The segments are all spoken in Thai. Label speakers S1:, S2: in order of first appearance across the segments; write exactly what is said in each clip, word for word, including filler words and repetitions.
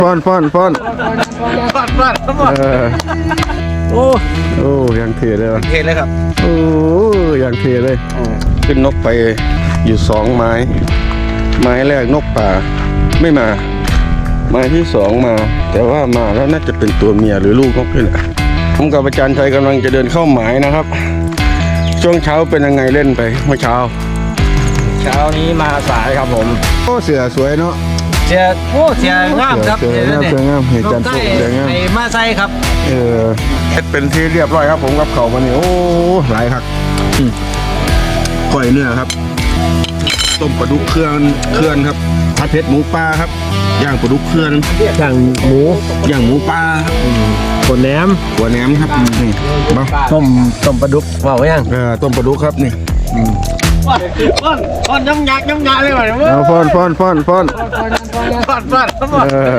S1: ฟ้อนฟ้อนฟ้อน
S2: ฟาดฟาดทั้งหมด
S1: เออ
S2: โอ้
S1: โอ้ยังเทเลยวะ
S2: เทเลยครับ
S1: โอ้ยังเทเลยขึ้นนกไปอยู่สองไม้ไม้แรกนกป่าไม่มาไม้ที่สองมาแต่ว่ามาแล้วน่าจะเป็นตัวเมียหรือลูกนกนี่แหละผมกับอาจารย์ชัยกำลังจะเดินเข้าหมายนะครับช่วงเช้าเป็นยังไงเล่นไปเมื่อเช้า
S2: เช้านี้มาสายครับผม
S1: โอ้เสือสวยเนาะ
S2: เสียโอ้เสียงามครับ
S1: เสือเสือเสืองามเห็นจันทร์ปุ๊บเสืองาม
S2: ไอ้มาไซครับ
S1: เออเป็นที่เรียบร้อยครับผมกับเขาวันนี้โอ้หลายครับก้อยเนื้อครับต้มปลาดุกเครื่องเครื่องครับผัดเผ็ดหมูปลาครับย่างปลาดุกเครื่อง
S2: อย่างหมู
S1: ย่างหมูปลาครับ
S2: ขนแหนม
S1: หัวแหนมครับนี่มา
S2: ต้มต้มปลาดุกว่าไว้ยัง
S1: เออต้มปลาดุกครับนี่
S2: ฟอนฟอนฟอนย้ำยักย้ำยักเลยว่ะเนี่ย
S1: เอาฟ้อนฟ้อนฟ้อนฟ้อน
S2: ฟอนฟอนทั้งหมด
S1: เออ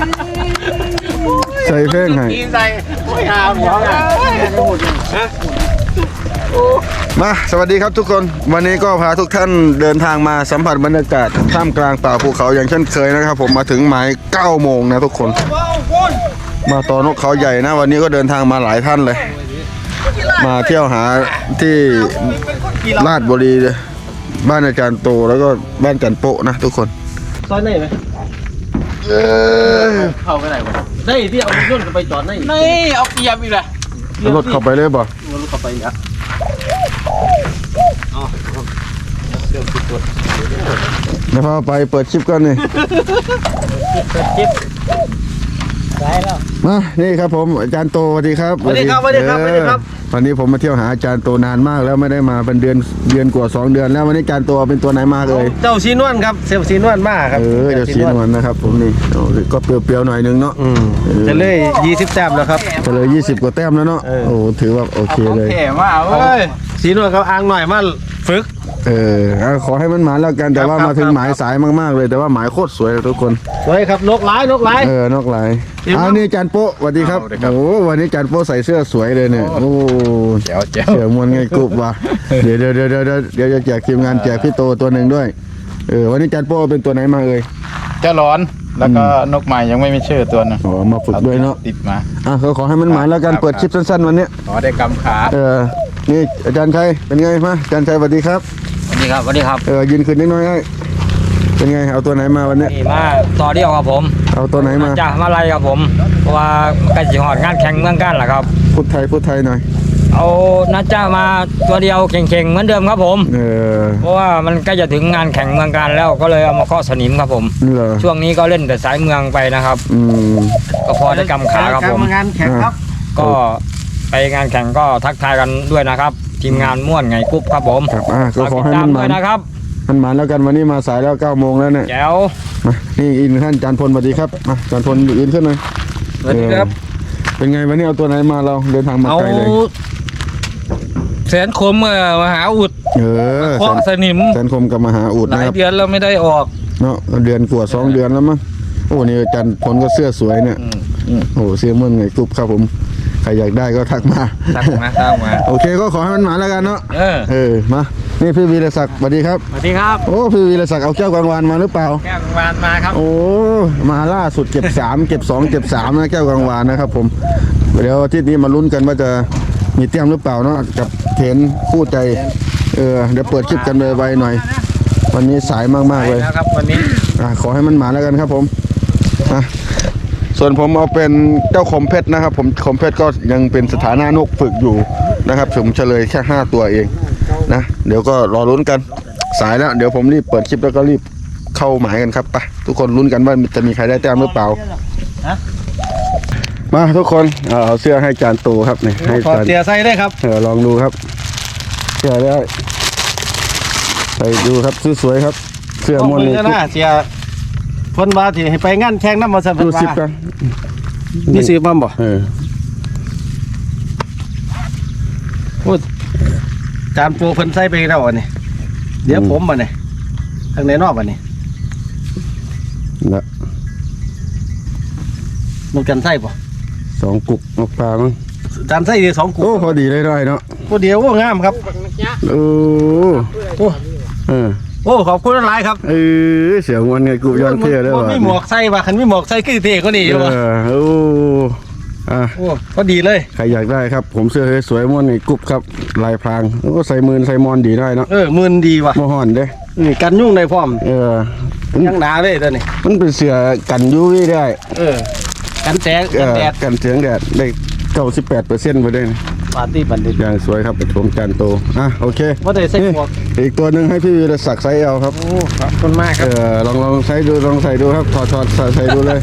S1: ใส่เพลงให้
S2: กินใส่โอ้ยหาหมอฮะ
S1: มาสวัสดีครับทุกคนวันนี้ก็พาทุกท่านเดินทางมาสัมผัสบรรยากาศท่ามกลางป่าภูเขาอย่างเช่นเคยนะครับผมมาถึงหมายเก้าโมงนะทุกคน มาตอนนกเขาใหญ่นะวันนี้ก็เดินทางมาหลายท่านเลย มาเที่ยวหาที่ลาดบุรีบ้านอาจารย์โตแล้วก็บ้านจันโปะนะทุกคน
S2: ซอยไหนไหม
S1: เออ
S2: เข้าไปไหนวะได้ที่เอารถไปจอดไหนไม่เอาเกียร์อีกเลย
S1: เอารถเข้าไปเลยบ่
S2: รถเข้าไปอ่ะอ๋อเดี๋ยวติดตัว
S1: เดี๋ยวพาไปเปิดคลิปกันนี่
S2: คลิปได้แล้ว
S1: มานี่ครับผมอาจารย์โตสวัสดีครับ
S2: สวัสดีครับสวัสดีครับสวัสดีครับ
S1: เออวันนี้ผมมาเที่ยวหาอาจารย์โตนานมากแล้วไม่ได้มาเป็นเดือนเดือนกว่าสองเดือนแล้ววันนี้อาจารย์โตเป็นตัวไหนมาเลย
S2: เจ้าซีนวลครับเซลซีนวลมากครับ
S1: เออเดี๋ยวสีนวลนะครับผมนี่โอ้ก็เปรี้ยวๆหน่อยนึงเนาะ
S2: อืมจะเลยยี่สิบแต้มแล้วครับ
S1: ก็เลยยี่สิบกว่าแต้มแล้วเนาะ
S2: เออ
S1: โอ้ถือว่าโอเคเลย
S2: เท่มากเว้ยซีนวลกับอ่างหน่อยมาฝึก
S1: เออเอาขอให้มันหมายแล้วกันแต่ว่า
S2: ครับ
S1: มาถึง
S2: ครับ
S1: หมายสายมากๆเลย แต่ว่าหมายโคตรสวยเลยทุกคน
S2: สวยครับนกหลายนกหลาย
S1: เออนอกหลาย
S2: เห็นไหม
S1: อ้าวนี่อาจารย์โป๊ะสวัสดีครับ
S3: สวัสดีครับ
S1: โอ้วันนี้อาจารย์โป๊ะใส่เสื้อสวยเลยเนี่ยโอ้
S3: แจ๋วแจ๋ว
S1: เสือมวนไงกรุบว่ะเดี๋ยวเดี๋ยวเดี๋ยวเดี๋ยวเดี๋ยวเดี๋ยวจะแจกทีมงานแจกพี่โตตัวหนึ่งด้วยเออวันนี้อาจารย์โป๊ะเป็นตัวไหนมาเอ่ย
S3: เจ้าร้อนแล้วก็นกใหม่ยังไม่มีชื่อตัวนึง
S1: อ๋อมาฝึกด้วยเนาะ
S3: ติดมา
S1: อ่ะเขาขอให้มันหมายแล้วกันเปิดคลิปสั้นๆวันเนี้ย
S3: ขอได้กำขา
S1: เออนี่อาจารย์ชัยเป็นไงมาอาจารย์ชัยสวัสดีครับ
S2: สวัสดีครับสวัสดีครับ
S1: เออยืนขึ้นนิดหน่อยให้เป็นไงเอาตัวไหนมาวันเนี้ย
S4: นี่มาต่อเดียวครับผม
S1: เอาตัวไหนมา
S4: จากมาลัยครับผมเพราะว่าใกล้สิหอดงานแข่งเมืองกันแหละครับ
S1: พูดไทยพูดไทยหน่อย
S4: เอานัดจ้ามาตัวเดียวเข่งๆเหมือนเดิมครับผม
S1: เออ
S4: เพราะว่ามันใกล้จะถึงงานแข่งเมืองกันแล้วก็เลยเอามาเคาะสนิมครับผม
S1: นี่เหรอ
S4: ช่วงนี้ก็เล่นแต่สายเมืองไปนะครับ
S1: อืม
S4: ก็พอได้กำขาครับผม
S2: งานแข่งครับ
S4: ก็ไปงานแข่งก็ทักทายกันด้วยนะครับ ทีมงานม่วนไงกรุ๊ปครับผม
S1: ครับอ่ะก็
S4: ฝาก
S1: ขอ
S4: ติด
S1: ให้
S4: ตา
S1: มั
S4: ม
S1: นห
S4: ด้
S1: มา
S4: วย
S1: น
S4: นะครับ
S1: มันหมานแล้วกันวันนี้มาสายแล้วเก้าโมงแล้วเนี่ย
S4: แจ๋ว
S1: มานี่อีกหนึ่งท่านอาจารย์พลสวัสดีครับมาอาจารย์พลยืนขึ้นหน่อย
S2: สวัสดีครับ
S1: เออเป็นไงวันนี้เอาตัวไหนมาเราเดินทางมา
S2: เอา
S1: ไกลเลย
S2: แสนคมเออมหาอุด
S1: เออ
S2: เคาะสนิม
S1: แสนคมกับมหาอุด
S2: หลา
S1: นะ
S2: ย
S1: ครับ
S2: เดือนแล้วไม่ได้ออก
S1: เนาะเดือนกว่าสองเดือนแล้วมั้งโอ้นี่อาจารย์พลก็เสื้อสวยเนี่ยโอ้เสื้อเมื่อไงกรุ๊ปครับผมใครอยากได้ก็ทักมา
S2: ตั้งมาตั้งมา
S1: โอเคก็ขอให้มันหมาแล้วกันเนาะ
S2: เออ
S1: เออมานี่พี่วีรศักดิ์สวัสดีครับ
S4: สวัสดีครับ
S1: โอ้พี่วีรศักดิ์เอาแก้วกลางวานมาหรือเปล่า
S4: แก้ววานมาครับ
S1: โอ้มาล่าสุดเก็บสาม เก็บสองเก็บสามนะแก้วกลางวานนะครับผมเดี๋ยวอาทิตย์นี้มาลุ้นกันว่าจะมีเตรียมหรือเปล่าเนาะกับเทนคู่ใจเออเดี๋ยวเปิดคลิปกันไวๆหน่อย วันนี้สายมากๆเลย
S4: แล้วครับวันนี้
S1: อ่ะขอให้มันหมาแล้วกันครับผมอ่ะส่วนผมเอาเป็นเจ้าคมเพชรนะครับ ผมคมเพชรก็ยังเป็นสถานะนกฝึกอยู่นะครับผมเฉลยแค่ห้าตัวเองนะเดี๋ยวก็รอลุ้นกันสายแล้วเดี๋ยวผมรีบเปิดคลิปแล้วก็รีบเข้าหมายกันครับไปทุกคนลุ้นกันว่าจะมีใครได้แต้มหรือเปล่ามาทุกคนเอาเอาเสื้อให้จานโตครับนี่ให้
S2: ขอ
S1: จาน
S2: เสียใส่ได้ครับ
S1: เออลองดูครับเสื้อได้ไปดูครับสวยๆครับ เสื้อ
S2: ต้อง
S1: ม่วน
S2: มื
S1: นี่
S2: อหน้าเสียพ้นว่าที่ให้ไปงานแข่งน้ำมาสัมพัน
S1: ดู
S2: ธ์
S1: สิบกัน
S2: นี่ซื้อมาบ่
S1: เออ
S2: พูดจานปูเพิ่นใส่ไปแล้วอันนี้เดี๋ยวผมมาเนี่ยทางไหนนอกอันนี้
S1: ละ
S2: มันกันใส่ป่ะ
S1: สองกุกนกปลามั้ง
S2: จานใส่เดียวสองกุ
S1: โอ้พอดีเลยได้เนาะ
S2: ตัวเดียวโอ้งามครับ
S1: โอ้
S2: โอ้
S1: เออ
S2: โอ้โอ้ขอบคุณหลายครับ
S1: เออเสียงมันไงกูย้อนเที่ยวได้
S2: บ่
S1: ว่ะ
S2: มีหมวกใส่ว่ะคันมีหมวกใส่คือเท่กว่านี้อยู่
S1: เอ
S2: ว่ะ
S1: อโอ้อ่ะ
S2: โอ้ก็ดีเลย
S1: ใครอยากได้ครับ ผมเสื้อสวยๆม่วนไงกรุ๊ปครับลายพรางแล้วก็ใส่มือใส่มอนดีได้เนาะ
S2: เออมืนดีว่ะ
S1: บ่ห่อนเด้
S2: นี่กันยุ่งได้พร้อม
S1: เออ
S2: ยังหนาเลยตัวนี้
S1: มันเป็นเสื้อกันยูวีได้
S2: เออกันแสง
S1: เอ
S2: กัน
S1: อ
S2: แดด
S1: กันเสียงแดดได้เก้าสิบแปดเปอร์เซ็นต์ไปได้นะ
S2: ปาร์ตี้บัณฑิต
S1: อย่างสวยครับเป็นชมจานโตอ่ะโอเค
S2: ว่าได้ใส่หมวก
S1: นี่อีกตัวหนึ่งให้พี่วีรศักดิ์ไซส์เอลครับ
S2: โอ้ขอบคุณมากค
S1: เอ
S2: รับ
S1: อลองลองใส่ดูลองใส่ดูครับถอดถอดใส่ใส่ดูเลย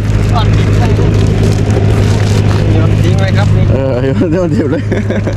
S2: ทิ้งไว้ครับนี่
S1: เออเดี๋ยวเดี๋ยวเดี๋ยวเลย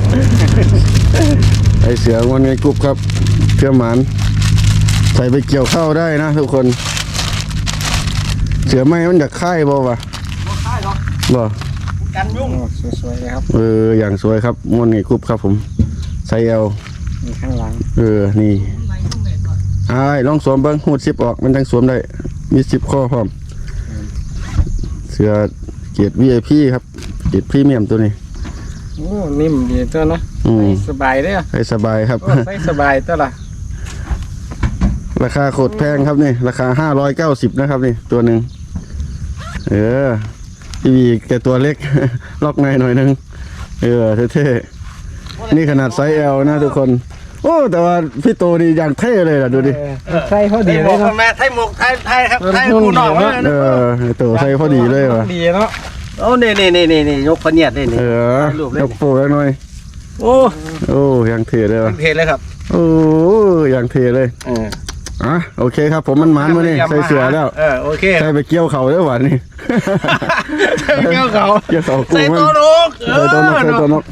S1: ไอเสือวันไงกรุ๊ปครับเชื่อหมันใส่ไปเกี่ยวข้าวได้นะทุกคน เสือไหมมันอยากค่ายบ่วะ
S2: บ่ค่ายหรอก
S1: บ่
S2: กันยุ่งสวยๆเลยครับ
S1: เอออย่างสวยครับมวนไงกรุ๊ปครับผมไซส์เอล
S2: มีข้างหลัง
S1: เออนี่ไอ้ายลองสวมเบิ้งหูดซิปออกมันทั้งสวมได้มีซิปข้อพร้อมเสือเกียรติ วี ไอ พี ครับเกียรติพรีเมียมตัวนี้
S2: โอ้นิ่มดีตัวเนาะ
S1: อืม
S2: สบายเด้อ
S1: ให้สบายครับ
S2: โอ้ใส่สบายตัวละ
S1: ราคาโคตรแพงครับนี่ราคาห้าร้อยเก้าสิบนะครับนี่ตัวหนึ่งเออพี่วีแกตัวเล็ก ล็อกในหน่อยหนึงเออเท่ๆนี่ขนาดไซส์ L นะทุกคน โอ้แต่ว่าพี่โตนี่อย่างเท่เลยล่ะดูดิ
S2: ใส่พอดีเลยเนาะแม่ไทยหมวกไทยไทยครับไทยกูนอกเลย
S1: เออไอ้โตใส่พอดีเลยว่ะ
S2: ดีเนาะโอ้นี่นี่นี่นี่นี่ยกพะเนียดได้นี่
S1: เออยกโป้หน่อย
S2: โอ้
S1: โอ้อย่างเท่เลยว่ะ
S2: เพลเลยครับ
S1: โอ้อย่างเท่เลย
S2: เออ
S1: อ่ะโอเคครับผมมันหมันมานี่ใส่เสือแล้ว
S2: เออโอเค
S1: ใส่ไปเกี่ยวเข่าแล้วหวานนี่
S2: เกี่ยวเขา
S1: เกี่ยวเข่ากู
S2: ใส่
S1: มัน
S2: ตัวนก
S1: ใส่ตัวนกใส่ตัวนก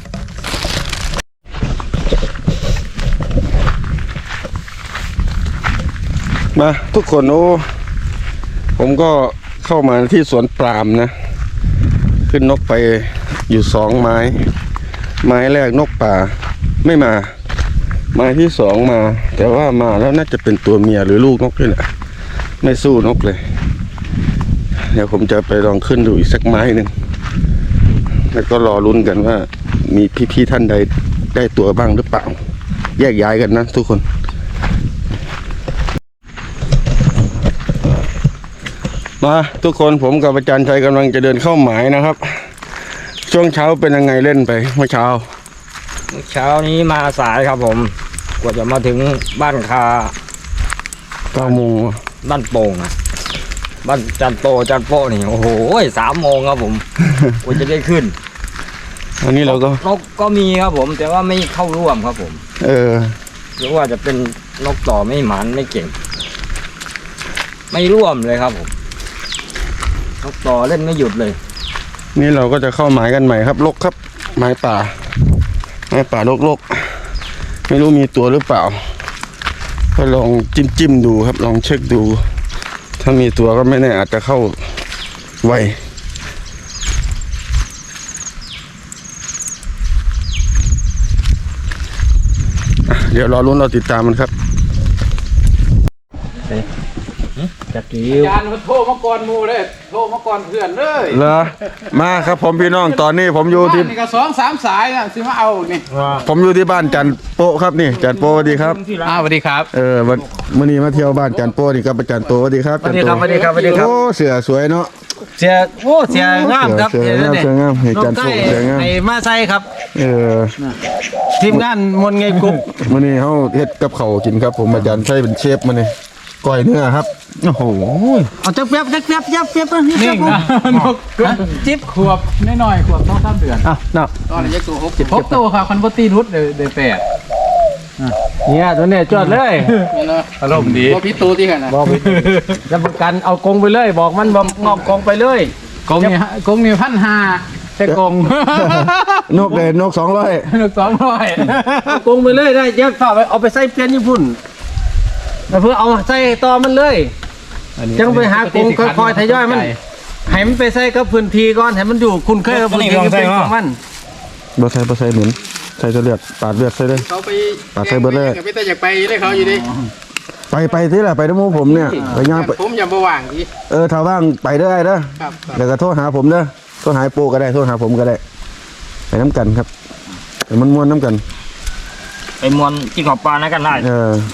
S1: มาทุกคนโอ้ผมก็เข้ามาที่สวนปาล์มนะ ขึ้นนกไปอยู่สองไม้ ไม้แรกนกป่าไม่มา ไม้ที่สองมา แต่ว่ามาแล้วน่าจะเป็นตัวเมียหรือลูกนกนี่แหละไม่สู้นกเลย เดี๋ยวผมจะไปลองขึ้นดูอีกสักไม้หนึ่งแล้วก็รอลุ้นกันว่า มีพี่ๆท่านใดได้ตัวบ้างหรือเปล่า แยกย้ายกันนะทุกคน มาทุกคนผมกับอาจารย์ชัยกำลังจะเดินเข้าหมายนะครับ ช่วงเช้าเป็นยังไงเล่นไปเมื่อเช้า
S4: เช้านี้มาสายครับผมกว่าจะมาถึงบ้านคา
S1: เก้าโมง
S4: บ้านโป่งอะบ้านจันโตจันโปนี่โอ้โหสามโมงครับผมกว่าจะได้ขึ้น
S1: อันนี้เราก็
S4: นกก็มีครับผม แต่ว่าไม่เข้าร่วมครับผม
S1: เออ
S4: หรือว่าจะเป็นนกต่อไม่หมันไม่เก่ง ไม่ร่วมเลยครับผมนกต่อเล่นไม่หยุดเลย
S1: นี่เราก็จะเข้าหมายกันใหม่ครับลกครับหมายป่าหมายป่าลกลกไม่รู้มีตัวหรือเปล่าก็ลองจิ้มจิ้มดูครับ ลองเช็คดู ถ้ามีตัวก็ไม่แน่อาจจะเข้าไวอ่ะเดี๋ยวรอลุ้นเราติดตามมันครับ
S2: จักกิ้ว
S3: จานมันโทรมาก่อนหมูเลยโทรมาก่อนเพื่อนเลย
S1: เหรอมาครับผมพี่น้องตอนนี้ผมอยู่ที่
S3: บ้านนี่ก็สองสามสายนะสิมาเอานี่
S1: ผมอยู่ที่บ้านจันโปะครับนี่จันโปะสวัสดีครับ
S3: อ้าวสวัสดีครับ
S1: เออวันมื้อนี้มาเที่ยวบ้านจันโปะนี่ครับอาจารย์โตสวัสดีครับ
S2: สวัสดีครับสวัสดีครับสวัสดีครับ
S1: โอ้เสือสวยเนาะ
S2: เสียโอ้เสียงามครับ
S1: เสือเสืองามเสืองามเห็นจันโปะเสืองาม
S2: ไอ้มาใส่ครับ
S1: เออ
S2: ทีมงานมนไงกุ๊ก
S1: มื้อนี้เฮาเฮ็ดกับข้าวกินครับ ผมอาจารย์ใช้เป็นเชฟมื้อนี้ก้อยเนื้อครับโอ้โห
S2: เอาจักเปียบจักเปียบจักเปียบ
S3: นิ่งนะนกจิ๊บขวบน้อยๆขวบต้องสามเดือน
S2: อ่ะเนาะ
S3: ตอนนี้ยังตัวหกหกตัวค่ะคอนเวอร์ตีรุดเดือนแปด
S2: เนี่ยตัวเนี้ยจอดเลย
S3: อารมณ์ดีว่าพี่ตูที่กันนะ
S2: บอกไปรับประกันเอากงไปเลย บอกมันบอกงอกกงไปเลย
S3: กงนี่กงนี่พันห้าแต่กง
S1: นกเด่นนกสองร้อย
S3: นกสองร้อย
S2: เอากงไปเลยได้เดี๋ยวฝากไปเอาไปใส่เปลี่ยนญี่ปุ่นแล้วเพื่อเอาใส่ต่อมันเลยจังไปหากงค่อยๆทยอยมันให้มันไปใส่กับพื้นที่ก่อนให้มันอยู่คุณเคยกับพื้นที่เป็นของมัน
S1: บ่ใส่บ่ใส่หนุนใส่เสลือดปาดเลือดใส่เลย
S3: เขาไป
S1: ปาดใส่เบิดเลย
S3: ไม่แต่อยากไปเลยเขาอยู่ดิ
S1: ไปไปที่ละไปด้วยหมู่ผมเนี่ยไปย่างไป
S3: ผมอย่ามาว่างที
S1: เออถ้าว่างไปได้เด้อ
S3: ครับ
S1: เดี๋ยวก็โทรหาผมเด้อโทรหาไอ้โปก็ได้โทรหาผมก็ได้ไปน้ำกันครับไปมันม่วนน้ำกัน
S4: ไปมวนกินขอบปลานะกันได้
S1: เออ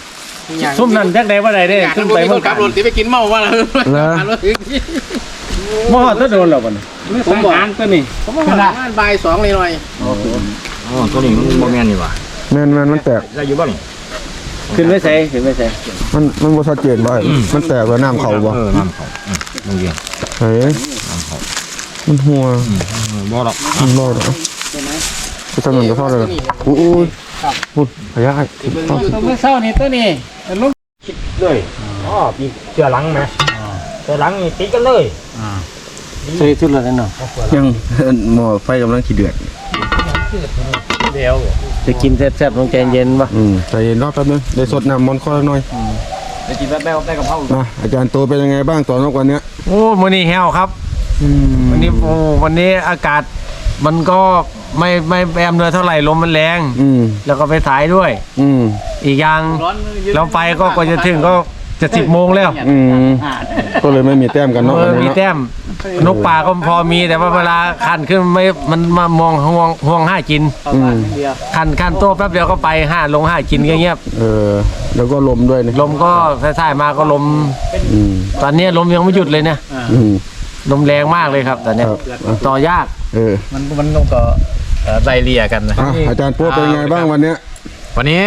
S2: ซุ่มนั่นจักได้บ่ได้เด้ขึ้นไป
S3: ค
S2: เมือน ง
S3: ขั
S2: กา
S3: บรถที่ไปกินเมาว่าแล้ว
S1: เหรอ
S2: บ่ฮอดถ้าโดนแล้วบ่นี่ผมบอกตัวนี้
S3: ผมว่าบ่ายสองเลยหน่อย
S4: อ๋อตัวนี้มันบ่แม่นนี่หว่า
S1: แม่นแม่นมันแตก
S4: ได้อยู่บ่นี่
S2: ขึ้นไปใส่ขึ้นไปใส่
S1: มันมันบ่ชัดเจนบ่มันแตกแล้วน้ำเข้าบ่
S4: เออน้ำเขาอืมโรงเรียน
S1: เฮ้ย
S4: น้ำเขา
S1: มันหัว
S4: อืมบ่หรอก
S1: มันรอดเหรอไปทำเงินก็พอเลยอู้อู้พูดพยาธิ
S3: ตัวเมื่อเช้านี่ตัวนี้ลูก
S4: เลยอ๋อปีเสือหลังไหมเสือหลังนี่ติดกันเลย
S2: ใส่ชุดละนั่นเนาะ
S1: ยังหม้อไฟกำลังขี้เดือด
S3: เดียว
S2: จะกินแซ่บๆลงใจเย็นป่ะ
S1: อืมใจเย็นรอแป๊บนึงได้สดน้ำมอนต์ข้อหน่อย
S4: ไปกินแป๊บๆได้กับเขา
S1: มาอาจารย์โตเป็นยังไงบ้างตอนนกวันเนี้ย
S2: โอ้มื้อนี้แห้วครับวันนี้โอ้วันนี้อากาศมันก็ไม่ไม่แอมเนื้อเท่าไหร่ลมมันแรง
S1: อืม
S2: แล้วก็ไปสายด้วย
S1: อืม
S2: อีกอย่างเราไปก็กว่าจะถึงก็จะสิบโมงแล้ว
S1: อืมก็เลยไม่มีแต้มกันเนาะ
S2: เออ
S1: วัน
S2: มี
S1: นี้เนาะ
S2: แต้มนกป่าก็พอมีแต่ว่าเวลาคันขึ้นไม่มันมามองห่วงห่วงห้ากิน
S1: อืม
S2: คันคันโตแป๊บเดียวก็ไปห้าลงห้ากินก็เงียบ
S1: เออแล้วก็ลมด้วยนี่
S2: ลมก็สายๆมาก็ลม
S1: อืม
S2: ตอนนี้ลมยังไม่หยุดเลยเนี่ย
S1: อืม
S2: ลมแรงมากเลยครับตอนเนี้ย
S1: ครับ
S2: ต่อยาก
S1: เออ
S3: มันมันต้องก็ไล่เลี่ยกันนะ
S1: อ่ะอาจารย์โป๊เป็นยังไงบ้างวันเนี้ย
S3: วันนี้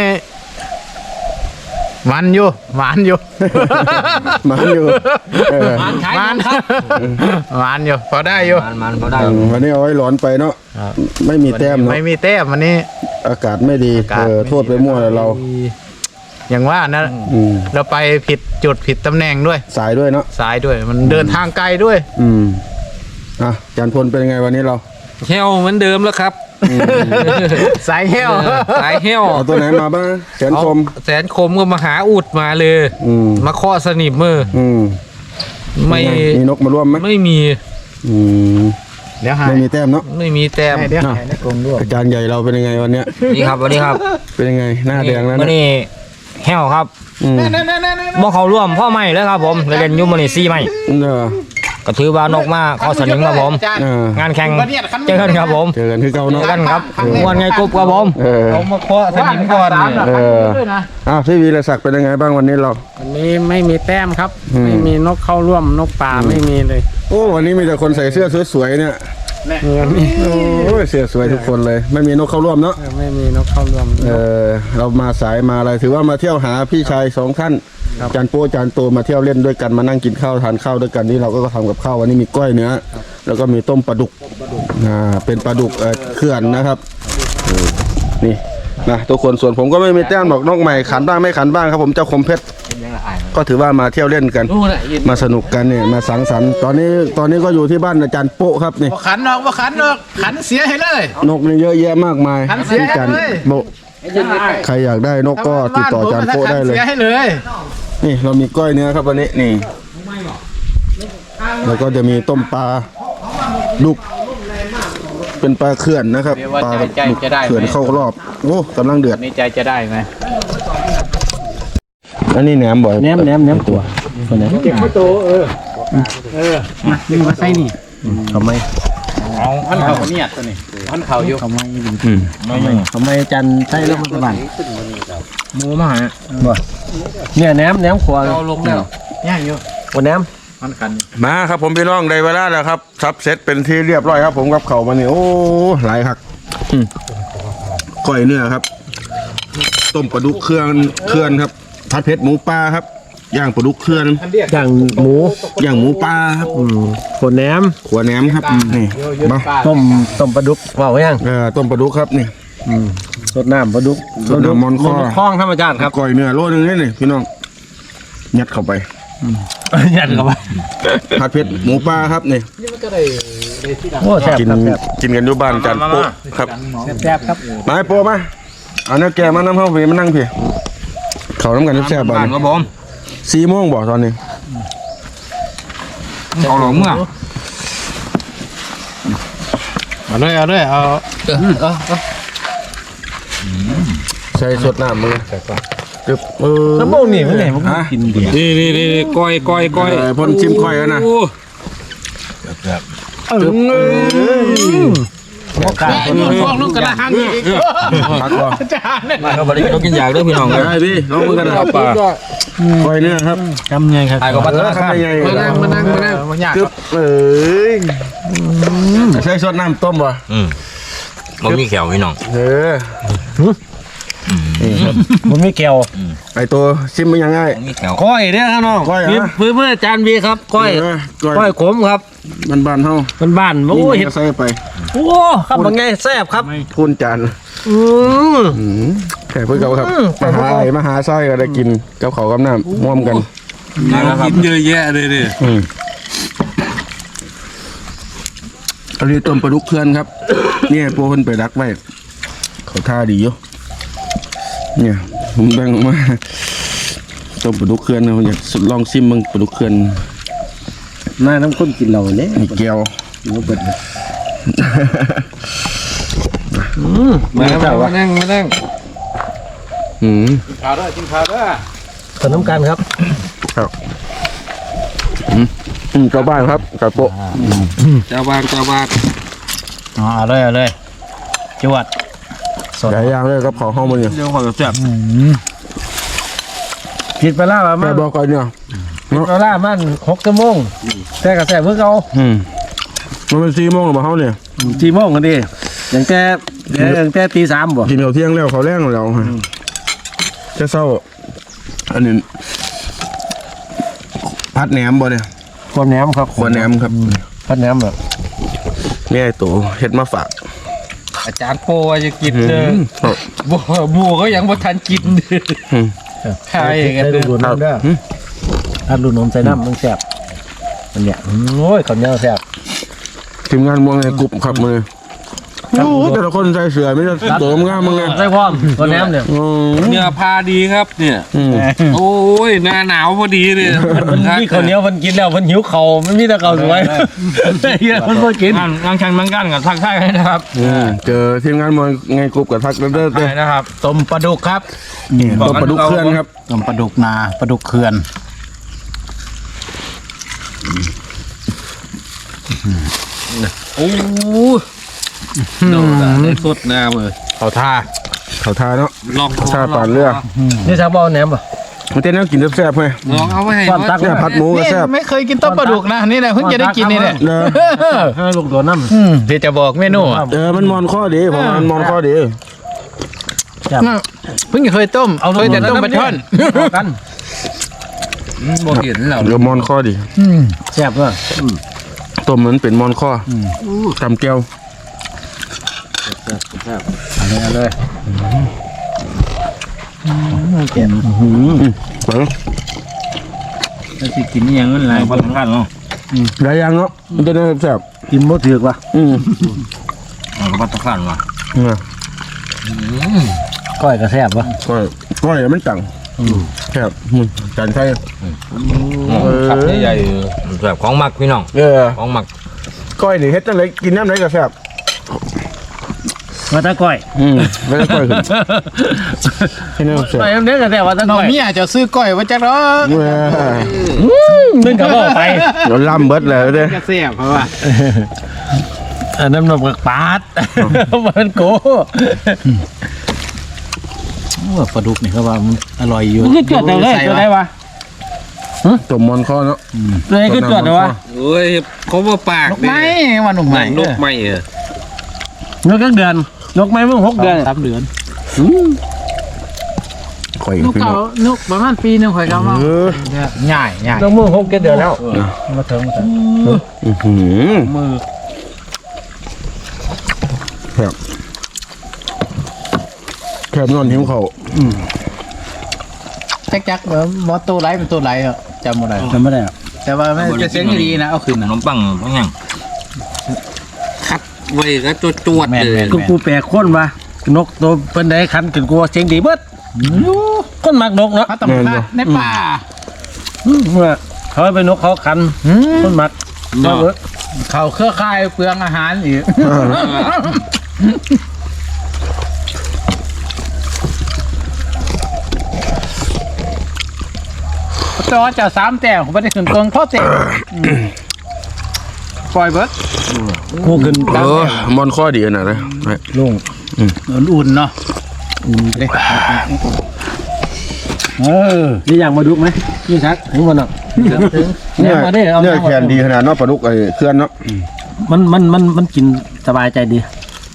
S3: มันอยู่หวานอยู่
S1: มันอยู่เออ
S2: มันขาย
S3: มัน
S2: ครับ
S3: หวานอยู่พอได้อยู่
S4: มันมันเขาได้
S1: อืมวันนี้เอาไว้ร้อนไปเนาะไม่มีแต้มเนาะ
S3: ไม่มีแต้มวันนี้
S1: อากาศไม่ดี
S3: อากาศ
S1: เออโทษไปมั่วแล้วเรา
S3: อย่างว่านะ
S1: อืม
S3: เราไปผิดจุดผิดตำแหน่งด้วย
S1: สายด้วยเนาะ
S3: สายด้วยมันเดินทางไกลด้วย
S1: อืมอ่ะอาจารย์พลเป็นยังไงวันนี้เรา
S5: เฮลเหมือนเดิมแล้วครับ
S3: สายเหี้ยว
S5: สายเฮล
S1: เอาตัวไหนมาบ้างแสน
S5: เอา
S1: คม
S5: แสนคมก็มาหาอุดมาเลย
S1: อืม
S5: มาเคาะสนิมมือ
S1: อืม
S5: ไม่
S1: มีนกมาร่วมไหม
S5: ไม่มี
S1: อืม
S3: เดี๋ยวหาย
S1: ไม่มีแต้มเนาะ
S5: ไม่มีแต้ม
S3: เดี๋ยวหายในกรงด้วย
S1: อาจารย์ใหญ่เราเป็นยังไงวันเนี้ย
S4: นี่ครับสวัสดีครับ
S1: เป็นยังไงหน้าแดงแล้ว
S4: วัน
S1: นะ
S4: นี้แห้วครับ
S1: อืม
S4: บ่เขาร่วมพ่อใหม่เลยครับผมเล่นอยุ่มื้อนี้สี่ใหม่
S1: เออ
S4: ก็ถือว่านกมาเข้าสนิมครับผม
S1: เออง
S4: านแข่งเจอกันครับผม
S1: เจอกันคือเก่า
S4: เจ
S1: เนาะ
S4: อกันครับม่วนไงกรุ๊บครับผม
S1: เออ
S5: เอามาเคาะสนิมก่อนเนี่ย
S1: เอออ้าวพี่วีรศักดิ์เป็นยังไงบ้างวันนี้เรา
S6: วันนี้ไม่มีแต้มครับ
S1: อืม
S6: ไม่มีนกเข้าร่วมนกป่าไม่มีเลย
S1: โอ้วันนี้มีแต่คนใส่เสื้อสวยๆเนี่ยโอ้ยเสื้อสวยทุกคนเลย ไม่มีนกเข้าร่วมเนาะ
S6: ไม่มีนกเข้าร่วม
S1: เออเรามาสายมาอะไรถือว่ามาเที่ยวหาพี่ชายสองท่านจานโป้จานโตมาเที่ยวเล่นด้วยกันมานั่งกินข้าวทานข้าวด้วยกันนี่เราก็ทำกับข้าววันนี้มีก้อยเนื้อแล้วก็มีต้มปลาดุกอ่าเป็นปลาดุกเอ่อเขื่อนนะครับเออนี่นะทุกคนส่วนผมก็ไม่มีแต้มบอกนกใหม่ขันบ้างไม่ขันบ้างครับผมเจ้าคมเพชรก็ถือว่ามาเที่ยวเล่นกัน
S2: ดูน่ะยิน
S1: มาสนุกกันเนี่ยมาสังสรรค์ตอนนี้ตอนนี้ก็อยู่ที่บ้านอาจารย์โป๊ะครับนี่
S3: บ่ขันออกบ่ขันออกขันเสียให้เลย
S1: นกนี่เยอะแยะมากมาย
S3: ขันเสีย
S1: ที่อาจารย์
S3: เลย
S1: โป๊ะใครอยากได้นกก็ติดต่ออาจารย์โป๊ะได้เลย
S3: เสียให้เลย
S1: นี่เรามีก้อยเนื้อครับวันนี้นี่แล้วก็จะมีต้มปลาดุกเป็นปลาเขื่อนนะครับปลาดุกเขื่อนเข้ารอบโอ้กำลังเดือด
S3: ในใจจะได้ไหม
S1: อันนี้แหนมบ่อย
S2: แหนมแหนมแหนมตัวคนไหน
S3: เก็บข้าวโตเออเออ
S2: นี่มาใส่นี่ทำไม
S3: เอาพันเข่าเนี่ยตัวนี้พันเข่าอยู่
S2: ทำไมทำไมจันใส่แล้วมันสบาย
S4: หมูมาฮะ
S2: เนี่ยแหนมแหนมขวาเราลงแล้ว
S3: ย่างอยู่
S2: วันแหนม
S3: พันขัน
S1: มาครับผมพี่น้องได้เวลาแล้วครับซับเซตเป็นที่เรียบร้อยครับผมกับเขาวมาเนี่ยโอ้หลายหักอืมก้อยเนื้อครับ ต้มปลาดุกเครื่องเครื่องครับผัดเผ็ดหมูปลาครับย่างปลาดุกเครื่อง
S2: อย่างหมู
S1: ย่างหมูปลาครับ
S2: อืมขวดแหนม
S1: ขัวแหนมครับนี่มา
S2: ต้มต้มปลาดุกว่าไว้ยัง
S1: เออต้มปลาดุกครับนี่
S2: สดน้ำปลาดุก
S1: สดน้ำมอนคอ
S2: คล้องธรรมชาติครับ
S1: ก้อยเนื้อโลนึงนี่นี่พี่น้องยัดเข้าไป
S2: ยัดเข้าไป
S1: ผัดเผ็ดหมูปลาครับนี่
S2: โอ้แซ่บ
S1: กิน
S2: ครับแซ่บ
S1: กินกันอยู่บ้านจานโป๊ะครับ
S6: แซ่บครับ
S1: มาให้โป๊ะมาเอาเนื้อแกะมาน้ำเข้าไปมานั่งพี่เขาน้ำกันแซ่บๆบ้า
S4: บ้าน
S1: น
S4: ครับผม
S1: สี่โมงบ่ตอนนี้
S4: เอาหลงเมื่อ
S3: เอาเลยเอาเลยเอา
S1: ใส่สดน้ำมือจึบเออ
S2: น้ำโมงนี่มันไหนมันก็กินดี
S5: นี่นี่นี่ก้อยก้อยก้อย
S1: เออพ่นชิมก้อยแล้วนะ
S5: โอ้
S1: จึบเออ
S5: พวกลูกกระหังอีก
S1: พักก่อน
S4: มาครับบริกินกินอยากด้วยพี่น้องเลย
S1: ได้พี่น้องมือกันนะครับป่าคอยเนี่ยครับ
S6: จำไงครับ
S4: ถ่ายกับบัตรธนาคาร
S1: มานั่งมานั่งมานั่ง
S3: มันยาก
S1: กึบเอ้ยใช้ซดน้ำต้มป่ะ
S4: อืมมันมีแขวพี่น้อง
S1: เออ
S2: มันไม่เกี่ยว
S1: ไอตัวชิมมันยังไง
S4: มันมีแขว
S2: ก้อยเนี่ยครับน้อง
S1: ก้อยเหรอ
S2: มีพื้นเพื่อจานบีครับก้อย
S1: ก้
S2: ก้
S1: อ
S2: อย ยขมครับ
S1: มันบานเท่า
S2: มันบ้านๆโอ้ย
S1: นี่
S2: เห็ด
S1: ก็ใส่ไป
S2: โอ้ครับมันไงแซ่บครับ
S1: พูนจาน
S2: อืม
S1: อืมแค่เพื่อเขาครับ
S2: อืม
S1: มาหาไอ้มาหาไส้ก็ได้กินกับเขาวกับน้ำม่วมกัน
S5: กินเยอะแยะเลยดิ
S1: อืมอันนี้ต้มปลาดุกเพื่อนครับ เนี่ยโปรเพิ่นไปรักไว้เขาท่าดีอยู่เนี่ยผมแบ่งออกมาต้มปลาดุกเพื่อนนะผมอยากลองซิมมึงปลาดุกเพื่อน
S2: น่าน้ำข้นกินเราเนี่ย
S1: มีแก้ว
S2: มันเปิดอืม
S5: มามานั่งมานั่ง
S1: อืม
S3: ข้าวด้วยกินข้าวด้วย
S2: ขนมกันครับ
S1: ครับอืมอืมเจ้าบ้านครับกับโปะ
S5: เจ้าบ้านเจ้าบ้าน
S6: อ๋อเอาเลยเอาเลยจวด
S1: หลายอย่างเลยกับของห้องมันเนี่ย
S5: เดี๋ยวขอจับ
S2: ผิดไปแล้วมั
S1: แต่
S2: น
S1: บอกก่อนเนี่ย
S2: ผิดไปแล้วมันหกชั่วโมงแต่กระแสเมื่อเขา
S1: อืมมันเป็นสี่โมงหรือเปล่าเขาเนี่ย
S2: สี่โมงกันดิอย่างแต่อย่างแต่ตีสามบ่
S1: กินเดี๋ยวเที่ยงแล้วเขาแรงแล้วฮะจะเศร้า อันนี้พัดแหนมบ่เนี่ย
S2: ความแหนมครับ
S1: ขวดแหนมครับ
S2: พัดแหนมแบบ
S1: นี่ไอ้ตัวเฮ็ดมาฝาก
S5: อาจารย์โปว่าจะกินเด้อ
S1: ม
S5: บัวบัวก็ยังบ่ทันกินเด้อ
S1: อืม
S5: ใช่กัน
S2: ใส่
S5: เด้
S2: ลู
S5: อก
S2: น้ำได้ถ้าลูกนมใส่น้ำมันแซ่บมันเนี่ยโอ้ยข้าวเหนียวแซ่บ
S1: ทีมงานมวงในกลุ่มครับมือโอ้แต่ละคนใส่เสื้อไม่ได้ตัวงามมึงไง
S2: ใส่พร้อมตัวแหนมเนี่ย
S1: อืม
S5: เนื้อพาดีครับเนี่ย
S1: อืม
S5: โอ้ยหน้าหนาวพอดีเลย
S2: มันมีข้าวเหนียวมันกินแล้วมันหิวเข่ามันมีแต่ข้าวสวยเฮียมันก็กิน
S5: งานงานชันมังกันกับทักทายนะครับ
S1: อืมเจอทีมงานมวงในกลุ่มกับทักเด้อเด้อ
S5: ใช่นะครับ
S6: ต้มปลาดุกครับ
S1: ตัวปลาดุกเคลื่อนครับ
S6: ต้มปลาดุกนาปลาดุกเขื่อน
S5: โอ้โดนได้สดหน้าเลย
S3: เขาท่า
S1: เขาทาเนาะ
S5: ลอง
S1: ชาป่านเรือ
S2: นี่ชาวบ้านแหนมป่ะ
S1: มันเต้นแล้วกินแซ่บๆไหม
S5: ลองเอาไว้ให้
S2: ความตัก
S1: เนี่ยผัดหมูก็
S6: นี่
S1: แซ่บ
S6: ไม่เคยกินต้มปลาดุกนะนี่แหละเพิ่งจะได้กินนี่แหละ
S1: เนอะ
S2: ให้ลูกตัวน้ำ
S6: อืมเดี๋ยวจะบอกเมนูอ่ะ
S1: เออมันมอนข้อดีผมว่ามันมอนข้อดี
S6: เพิ่งเคยต้มเอาเคยแต่ต้มปลาช่อน
S2: กัน
S5: บ่เห็นแล้ว
S1: เดี๋ยวมอนข้อดี
S2: แซ่บด้วย
S1: ต้มมันเป็นมอนข้อตำแก้ว
S2: เอาเลย
S1: เปิด
S6: แล้วสิกินอย่างนั้นไร
S5: พันพันเนาะ
S1: หลายอย่างเนาะมันจะได้แซ่บ
S2: กินบ่ถือกว่ะ
S1: อืม
S4: มันก็พัฒนาว่ะ
S1: เนี่ย
S2: ก้อยก็แซ่บว่ะ
S1: ก้อยก้อยมันจังแซ่บอืมจานไทย
S5: ขับใหญ่
S4: แบบของหมักพี่น้อง
S1: เออ
S4: ของหมัก
S1: ก้อยนี่เฮ็ดจังไดกินน้ำไหนก็แซ่บ
S2: ว่าตะก้อย
S1: อืมไม่ได้ก้อยขึ้นให้น้ำแซ่บ
S2: ไปอันนี้ก็แซ่บว่าตะ
S6: น้อง
S2: ก้อย
S6: เมียจะซื้อก้อยไว้จักรอ
S1: เว้ย
S2: นึ่งกับบ่ไป
S1: เราล่ำเบิดเลยเด้อ
S6: จะเสียบเพราะว่า
S2: อันน้ำนมกับปาดมันโก
S6: ว่าปลาดุกนี่เขาว่ามันอร่อยอยู่
S2: มันก็จวดเอาเลยจวดได้วะ
S1: ต้มมอนข้อเนาะ
S2: เลยก็จวดเอาวะ
S5: โอ้ยเขาว่าปาก
S6: นกไม้ว่าหนุ่มใหม่
S5: นกไม่เออน
S2: กกักเดือนนกไม้เพิ่งหกเดือน
S6: สามเดือน
S1: ข่อย
S6: นก
S1: พี่น้
S6: เก่า
S1: อง
S6: นกประมาณปีหนึงข่อยเขามา
S1: เออ
S6: ง่ายง่าย
S2: นกมึงหกเดือนแล้วมาถึงมาถึง
S1: อื้อหือ
S6: มือ
S1: แซ่บแซ่บนอนหิวเขาว
S6: จักจักๆเหมือนมอตัวไรเป็นตัวไรอ่ะจำไม่ได้
S2: จำไม่ได้อะ
S6: แต่ว่ามันจะเสียงดีนะเอาขึ้น
S4: ข
S6: นะ
S4: นมปังบางอย่าง
S5: คัดไว้ก็จวดจวด
S6: แม่น
S5: เลย
S6: แม่น
S2: กูกูแปลกคนวะนกตัวเป็นไดขันกินกูเสียงดีเบิดคนมักนกเนาะ
S6: พระตำรวจในป่า
S2: เมื่อเขาไปนกเขาขันคนมักมาเบิด
S6: เขาเครือข่ายเปลืองอาหารอีกจอจะสามแต้มผมไม่ได้ขึ้นต้นเพราะเจ็บปล่อยเบิร์ด
S2: กูขึ้น
S1: เออมอนข้อดีขนาดนะ
S2: ลง
S6: อุ่นๆเนาะอุ่นเด้เออ
S2: นี่อย่างมาดุกไหมนี่ชักถึงมันอ่ะถึง
S1: เนี่
S2: เนี่ย ยมาได้เอา
S1: เนี่ย
S2: มา
S1: แขนดีขนาดเนาะปลาดุกไอ้เคลื่อนเนาะ
S2: มันมันมันมันกินสบายใจดี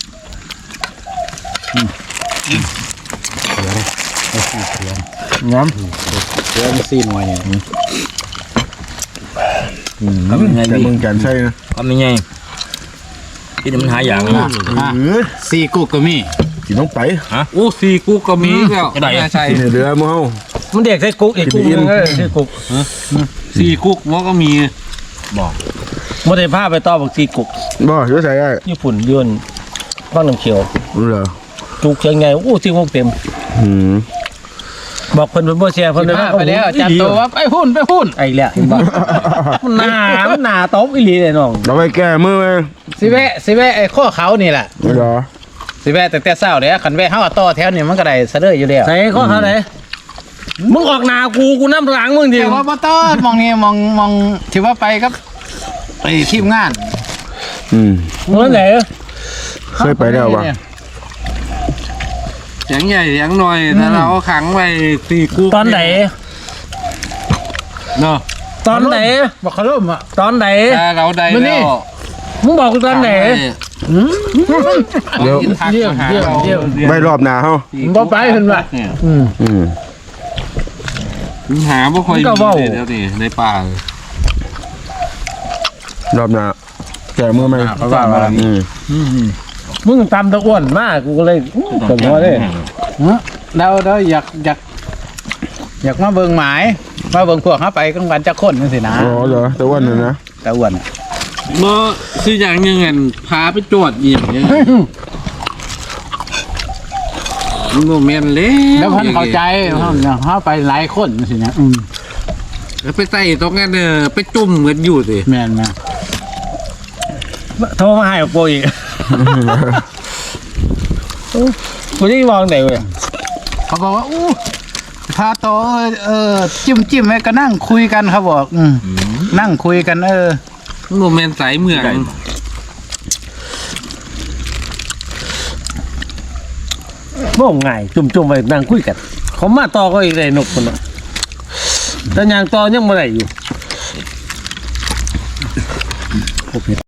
S2: น้ำ
S6: เดี๋ยวมันซีหน่อยเนี่ย
S4: ทำยังไง
S1: แต่
S4: ดี
S1: มึงแกนใช่นะ
S4: ทำยังไงที่มันหาอย่างนะ
S6: อ่ะ
S1: เออ
S6: ซีกุ๊กก็มี
S1: กินต้องไป
S5: โอ้สี่กูก็มีแล้วไม่ใช่
S1: กินเรือมั้งเฮา
S2: มันเด็กใส่กุ๊กอีกกุ๊กนึงเลยใส่กุ๊ก
S5: สี่กุ๊กมันก็มี
S2: มันได้ผ้าไปต่อบักซีกุ๊ก
S1: บ่ช่วยใส่ได้
S2: ญี่ปุ่นยื่นบ้างน้ำเขียว
S1: รู้เหรอ
S2: จุกเชียงไงโอ้ซีกุ๊กเต็ม
S1: อืม
S2: บอกเพิ่นเพิ่นบ่เสียเพิ่นเลย
S6: พาไปแล้วจัดตัวว่าไปหุ่นไปหุ่น
S2: ไอ้แหละเห็นบ่มันหนามันหนาตบอีหลีเลยน้อง
S1: เราไปแก้มือไหม
S6: สิแวะสิแวะไอ้ข้อเขานี่แหละ
S1: ไม่เหรอ
S6: สิแวะแต่แต่เช้าเด้อคันแวะเฮาต่อแถวนี่มันก็ได้เสะเด้ออยู่แล้ว
S2: ใส่ข้อเขาไหนมึงออกหนากูกูน้ำหลังมึงดิ
S6: แต่ว่าบ่ต่อมองนี่มองมองที่ว่าไปครับไอ้ทีมงาน
S1: อืม
S2: มึงไหน
S1: เคยไปแล้ววะ
S5: เสียงใหญ่เสียงหน่อยถ้าเราขังไว้สี่กุ๊ก
S2: ตอนไหน
S5: เนาะ
S2: ตอนไหน
S6: บ่เขาล่มอ่ะ
S2: ตอนไหน
S5: ถ้าเราได้
S6: มื้อนี้
S5: แล้ว
S2: มึงบอกกูตอนไหน
S1: เดี๋ยว
S5: เยี่ยมเยี่ยมเยี่ยม
S1: ไม่รอบหนาเฮา
S6: บ่ไปเพิ่นว่า
S2: อืม
S1: อืม
S5: หาบ่ค่อยมีเลยเดี๋ยวนี้ในป่าร
S1: อบหนาแก้มือไหม
S6: เพราะว่าว่า
S1: อืม
S2: มึงตำตะอ้วนมากกูก็เลยสมมติเลย
S6: เราเราอยากอยากอยากมาเบิ่งหมายมาเบิ่งพวกเฮาไปกลางวันจักคนจังซี่นะ
S1: อ๋อเหรอแต่ว่านั่นนะ
S6: ตะอ้วนอะ
S5: เมื่อคืออย่างยังไงพาไปจวดยิมยังไงโมเมนต์เล่
S6: แล้วเพิ่นเข้าใจเฮาเฮาไปหลายคนจังซี่นะอืม
S5: แล้วไปใส่ตรงนั้นเออไปจุ่มกันอยู่สิ
S6: แม่นนะ
S2: โทรมาให้กับกูอีกกูจะมองไหนเว้ย
S6: เขาบอกว่าอู้พาโตเออเออจิ้มจิ้มไว้ก็นั่งคุยกันเขาบอกอืมนั่งคุยกันเออ
S5: โมเมนต์สายเมือง
S2: บ่งง่ายจุ่มๆไปนั่งคุยกันเขามาต่อก็อีกเลยนกคนน่ะแต่ยางต่อยังไม่ได้อยู่